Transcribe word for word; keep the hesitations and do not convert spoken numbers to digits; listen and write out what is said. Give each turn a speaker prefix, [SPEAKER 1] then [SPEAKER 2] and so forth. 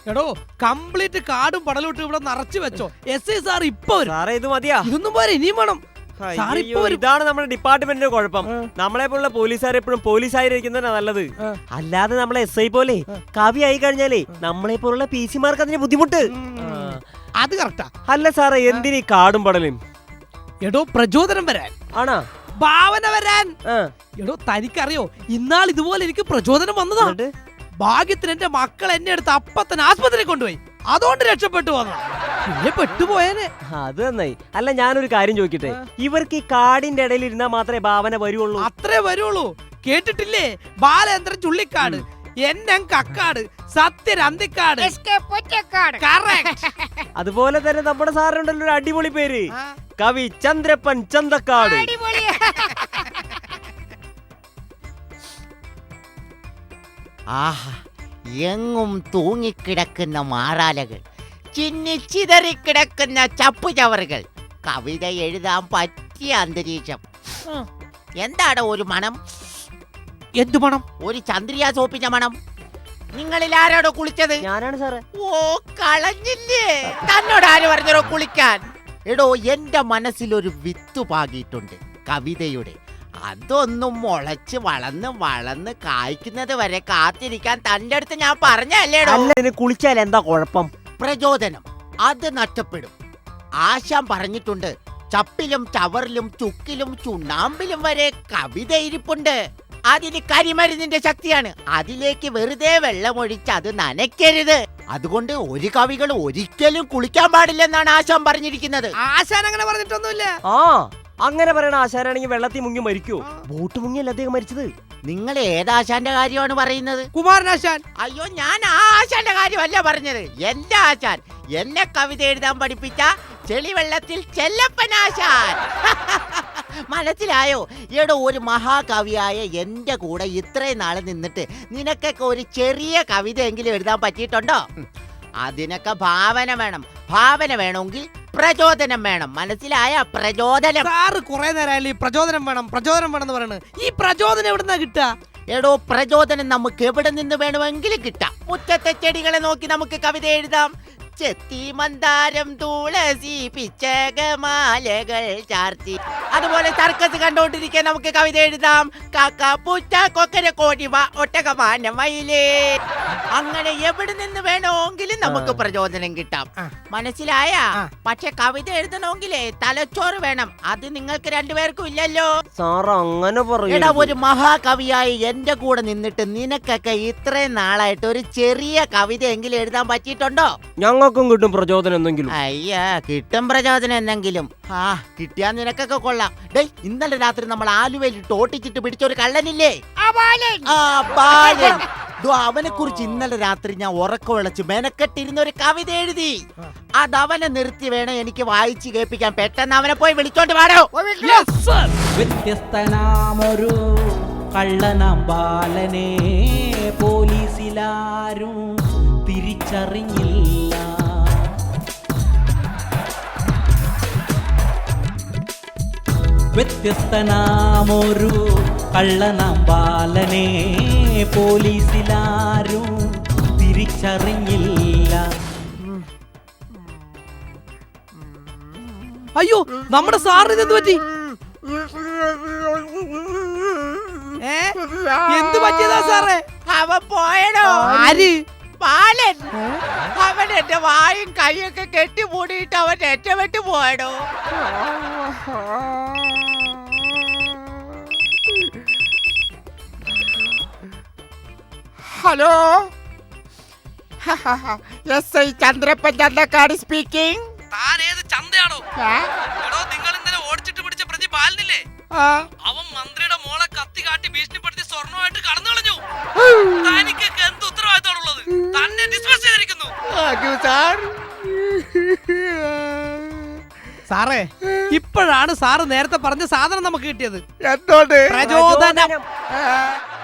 [SPEAKER 1] എടോ കംപ്ലീറ്റ് കാടും പടലോട്ടും ഇവിടെ നിറച്ചു വെച്ചോ. എസ് ഐ സാർ ഇപ്പൊ
[SPEAKER 2] ഇത് മതിയാ?
[SPEAKER 1] ഇതൊന്നും പോരെ, ഇനിയും വേണം.
[SPEAKER 2] ഇതാണ് നമ്മുടെ ഡിപ്പാർട്ട്മെന്റിന്റെ കുഴപ്പം. നമ്മളെ പോലുള്ള പോലീസുകാർ എപ്പോഴും പോലീസായിരിക്കുന്നതാണ് നല്ലത്. അല്ലാതെ നമ്മളെ എസ് ഐ പോലെ കവി ആയി കഴിഞ്ഞാലേ നമ്മളെ പോലുള്ള പി സിമാർക്ക് അതിന് ബുദ്ധിമുട്ട്.
[SPEAKER 1] അത് കറക്റ്റാ.
[SPEAKER 2] അല്ല സാറേ, എന്തിനീ കാടും പടലും?
[SPEAKER 1] എടോ പ്രചോദനം വരാൻ.
[SPEAKER 2] ആണോ?
[SPEAKER 1] ഭാവന വരാൻ. എടോ തനിക്കറിയോ, ഇന്നാൾ ഇതുപോലെ എനിക്ക് പ്രചോദനം വന്നതാ. ഭാഗ്യത്തിന് എന്റെ മക്കൾ എന്നെ എടുത്ത് അപ്പത്തന്നെ ആസ്പത്രി കൊണ്ടുപോയി. അതുകൊണ്ട് രക്ഷപ്പെട്ടു വന്നു. പെട്ടുപോയേനെ.
[SPEAKER 2] അത് നന്നായി. അല്ല, ഞാനൊരു കാര്യം ചോദിക്കട്ടെ, ഇവർക്ക് ഈ കാടിന്റെ ഇടയിൽ ഇരുന്നാ മാത്രമേ ഭാവന വരുള്ളൂ?
[SPEAKER 1] അത്രേ വരുള്ളൂ. കേട്ടിട്ടില്ലേ, ബാലേന്ദ്രൻ ചുള്ളിക്കാട്, എന്നെ കക്കാട്, സത്യൻ അന്തിക്കാട്.
[SPEAKER 2] അതുപോലെ തന്നെ നമ്മുടെ സാറിനുണ്ടല്ലോ ഒരു അടിപൊളി പേര്, കവി ചന്ദ്രപ്പൻ ചന്തക്കാട്.
[SPEAKER 3] ആഹാ, എങ്ങും തൂങ്ങിക്കിടക്കുന്ന മാറാലകൾ, ചിന്നിച്ചിതറിക്കിടക്കുന്ന ചപ്പുചവറുകൾ, കവിത എഴുതാൻ പറ്റിയ അന്തരീക്ഷം. എന്താണ് ഒരു മണം?
[SPEAKER 1] എന്തു മണം?
[SPEAKER 3] ഒരു ചന്ദ്രിയ സോപ്പിന്റെ മണം. നിങ്ങളിൽ ആരോടോ കുളിച്ചത്?
[SPEAKER 2] ഞാനാണ് സാറേ.
[SPEAKER 3] ഓ, കളഞ്ഞില്ലേ? തന്നോട് ആര് പറഞ്ഞോ കുളിക്കാൻ? എടോ, എന്റെ മനസ്സിലൊരു വിത്ത് പാകിയിട്ടുണ്ട് കവിതയുടെ. അതൊന്നും മുളച്ച് വളർന്ന് വളർന്ന് കായ്ക്കുന്നത് വരെ കാത്തിരിക്കാൻ തന്റെ അടുത്ത് ഞാൻ പറഞ്ഞല്ലേടോ.
[SPEAKER 2] കുളിച്ചാൽ എന്താ കുഴപ്പം?
[SPEAKER 3] പ്രചോദനം അത് നഷ്ടപ്പെടും. ആശാൻ പറഞ്ഞിട്ടുണ്ട്, ചപ്പിലും ചവറിലും ചുക്കിലും ചുണ്ണാമ്പിലും വരെ കവിത ഇരിപ്പുണ്ട്. അതിന് കരിമരുന്നിന്റെ ശക്തിയാണ്. അതിലേക്ക് വെറുതെ വെള്ളമൊഴിച്ച് അത് നനയ്ക്കരുത്. അതുകൊണ്ട് ഒരു കവികൾ ഒരിക്കലും കുളിക്കാൻ പാടില്ലെന്നാണ് ആശാൻ പറഞ്ഞിരിക്കുന്നത്.
[SPEAKER 1] ആശാൻ അങ്ങനെ പറഞ്ഞിട്ടൊന്നുമില്ല.
[SPEAKER 2] ആ, അങ്ങനെ പറയണ ആശാനാണെങ്കിൽ വെള്ളത്തിൽ മുങ്ങി മരിക്കോ? ബോട്ട് മുങ്ങിയല്ല അദ്ദേഹം മരിച്ചത്.
[SPEAKER 3] നിങ്ങൾ ഏതാശാന്റെ കാര്യമാണ് പറയുന്നത്?
[SPEAKER 1] കുമാരനാശാൻ.
[SPEAKER 3] അയ്യോ, ഞാൻ ആ ആശാന്റെ കാര്യമല്ല പറഞ്ഞത്. എന്റെ ആശാൻ, എന്നെ കവിത എഴുതാൻ പഠിപ്പിച്ച ചെളിവെള്ളത്തിൽ ചെല്ലപ്പനാശാൻ. മനസ്സിലായോ? എടോ, ഒരു മഹാകവിയായ എന്റെ കൂടെ ഇത്രയും നാളെ നിന്നിട്ട് നിനക്കൊക്കെ ഒരു ചെറിയ കവിതയെങ്കിലും എഴുതാൻ പറ്റിയിട്ടുണ്ടോ? അതിനൊക്കെ ഭാവന വേണം. ഭാവന വേണമെങ്കിൽ പ്രചോദനം വേണം. മനസ്സിലായ? പ്രചോദനം.
[SPEAKER 1] സാറ് കുറെ നേരമല്ലേ പ്രചോദനം വേണം പ്രചോദനം വേണം എന്ന് പറയുന്നത്. ഈ പ്രചോദനം എവിടുന്നാ കിട്ടാ?
[SPEAKER 3] എടോ, പ്രചോദനം നമുക്ക് എവിടെ നിന്ന് വേണമെങ്കിലും കിട്ടാം. മുറ്റത്തെ ചെടികളെ നോക്കി നമുക്ക് കവിത എഴുതാം. ചെത്തി മന്ദാരം തുളസി പിച്ചകമാലകൾ ചാർത്തി. അതുപോലെ സർക്കസ് കണ്ടോണ്ടിരിക്കാൻ നമുക്ക് കവിത എഴുതാം. കാക്ക പൂച്ച കൊക്കര കോടിവ ഒട്ടകമാന മയിലേ. അങ്ങനെ എവിടെ നിന്ന് വേണമെങ്കിലും നമുക്ക് പ്രചോദനം കിട്ടാം. മനസ്സിലായ? പക്ഷെ കവിത എഴുതണമെങ്കിലേ തലച്ചോറ് വേണം. അത് നിങ്ങൾക്ക് രണ്ടുപേർക്കും ഇല്ലല്ലോ.
[SPEAKER 2] സാർ അങ്ങനെ
[SPEAKER 3] എടാ, ഒരു മഹാകവിയായി എന്റെ കൂടെ നിന്നിട്ട് നിനക്കൊക്കെ ഇത്രയും നാളായിട്ട് ഒരു ചെറിയ കവിതയെങ്കിലും എഴുതാൻ പറ്റിയിട്ടുണ്ടോ?
[SPEAKER 2] ഞങ്ങൾക്കും കിട്ടും പ്രചോദനം എന്തെങ്കിലും.
[SPEAKER 3] അയ്യാ, കിട്ടും പ്രചോദനം എന്തെങ്കിലും. ആ, കിട്ടിയാ നിനക്കൊക്കെ കൊള്ളാം. ഡേ, ഇന്നലെ രാത്രി നമ്മൾ ആലുവയിൽ ടോട്ടിച്ചിട്ട് പിടിച്ചൊരു കള്ളനില്ലേ? അവനെ കുറിച്ച് ഇന്നലെ രാത്രി ഞാൻ ഉറക്കം വിളച്ച് മെനക്കെട്ടിരുന്ന ഒരു കവിത എഴുതി. അതവനെ നിർത്തി വേണം എനിക്ക് വായിച്ച് കേൾപ്പിക്കാൻ. പെട്ടെന്ന് അവനെ പോയി വിളിച്ചോണ്ട് പാടോ.
[SPEAKER 4] വ്യത്യസ്തനാമൊരു കള്ളനാം ബാലനെ പോലീസിലാരും തിരിച്ചറിഞ്ഞില്ല. വ്യത്യസ്തനാമൊരു കള്ളനാം ബാലനെ പോലീസിലാരും തിരിച്ചറിഞ്ഞില്ല.
[SPEAKER 1] അയ്യോ, നമ്മുടെ സാറിന് എന്ത് പറ്റി? എന്ത് പറ്റിയതാ സാറേ?
[SPEAKER 3] അവൻ പോയടോ.
[SPEAKER 1] ആര്?
[SPEAKER 3] ബാലൻ. അവൻ എന്റെ വായും കൈയൊക്കെ കെട്ടിമൂടിയിട്ട് അവൻ ഏറ്റവിട്ട് പോയടോ. Hello, S I Chandrappan Chanthakkad speaking.
[SPEAKER 1] താൻ ഏത് ചന്തയാണോ? എടോ, നിങ്ങൾ ഇന്നലെ ഓടിച്ചിട്ട് പിടിച്ച പ്രതി ബാലനില്ലേ? അവൻ മന്ത്രിയുടെ മോളെ കത്തി കാട്ടി ഭീഷണിപ്പെടുത്തി സ്വർണ്ണമായിട്ട് കടന്നു കളഞ്ഞു. തനിക്കൊക്കെ എന്ത് ഉത്തരവാദിത്തമാണുള്ളത്? തന്നെ ഡിസ്മിസ് ചെയ്തിരിക്കുന്നു. സാറേ, ഇപ്പോഴാണ് സാറ് നേരത്തെ പറഞ്ഞ സാധനം നമുക്ക് കിട്ടിയത്.
[SPEAKER 3] എന്തോണ്ട്?
[SPEAKER 1] പ്രചോദനം.